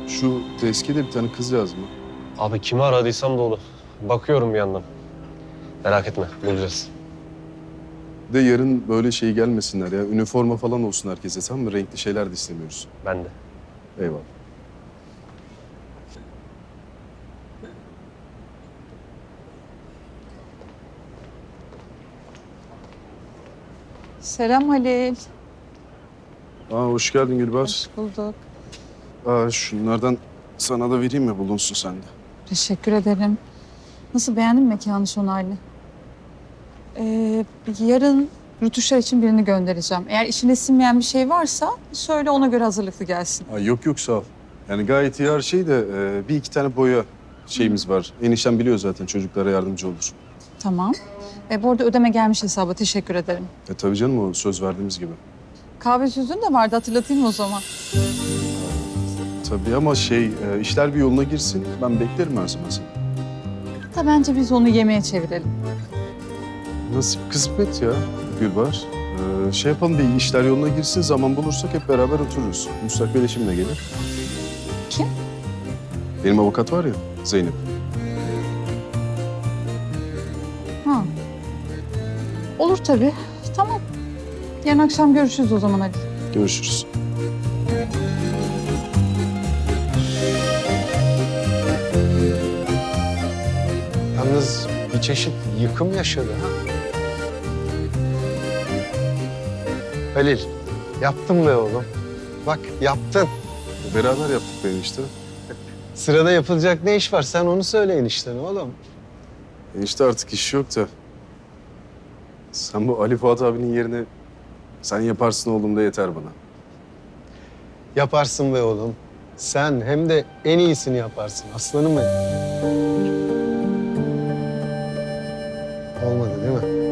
Şu tezkide bir tane kız yazma. Abi kimi aradıysam dolu. Bakıyorum bir yandan. Merak etme, bulacağız. De yarın böyle şey gelmesinler ya. Üniforma falan olsun herkese, tamam mı? Renkli şeyler de istemiyoruz. Ben de. Eyvallah. Selam Halil. Hoş geldin Gülbahar. Hoş bulduk. Şunlardan sana da vereyim mi, bulunsun sende? Teşekkür ederim. Nasıl, beğendin mi mekanı Şonaylı? Yarın rötuşlar için birini göndereceğim. Eğer işine sinmeyen bir şey varsa söyle, ona göre hazırlıklı gelsin. Yok yok, sağ ol. Yani gayet iyi her şey de bir iki tane boya şeyimiz var. Enişten biliyor zaten, çocuklara yardımcı olur. Tamam. Bu arada ödeme gelmiş hesaba, teşekkür ederim. Tabii canım, o söz verdiğimiz gibi. Kahve sözün de vardı, hatırlatayım mı o zaman? Tabii ama işler bir yoluna girsin. Ben beklerim her zaman seni. Da bence biz onu yemeğe çevirelim. Nasip kısmet ya Gülbahar. Yapalım, bir işler yoluna girsin, zaman bulursak hep beraber otururuz. Müstakbel eşim de gelir. Kim? Benim avukat var ya, Zeynep. Ha. Olur tabii. Tamam. Yarın akşam görüşürüz o zaman Halil. Görüşürüz. Yalnız bir çeşit yıkım yaşadı ha. Halil, yaptın be oğlum. Bak yaptın. Beraber yaptık ben işte. Sırada yapılacak ne iş var? Sen onu söyle eniştene oğlum. İşte artık iş yok da. Sen bu Ali Fuat abinin yerine sen yaparsın oğlum da yeter bana. Yaparsın be oğlum. Sen hem de en iyisini yaparsın aslanım benim. Olmadı değil mi?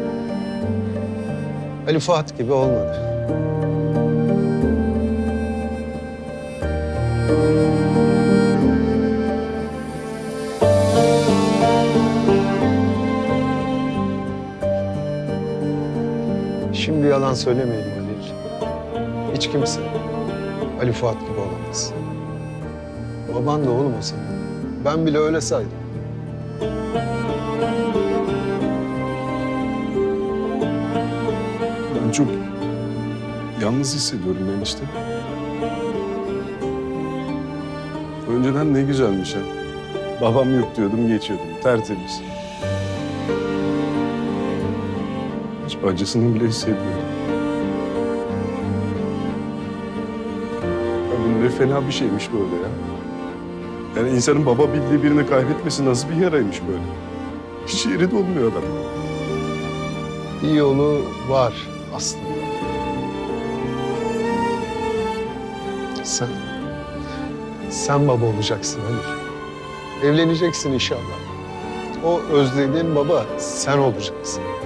Ali Fuat gibi olmadı. Şimdi yalan söylemeyelim Halil. Hiç kimse Ali Fuat gibi olamaz. Baban da oğlum o senin. Ben bile öyle saydım. Ben çok yalnız hissediyorum ben işte. Önceden ne güzelmiş ha. Babam yok diyordum, geçiyordum. Tertemiz. Hiç acısını bile hissetmiyorum. Ya bu ne fena bir şeymiş böyle ya. Yani insanın baba bildiği birini kaybetmesi nasıl bir yaraymış böyle. Hiç yeri dolmuyor adam. Bir yolu var aslında. Sen baba olacaksın Halil. Evleneceksin inşallah. O özlediğin baba sen olacaksın.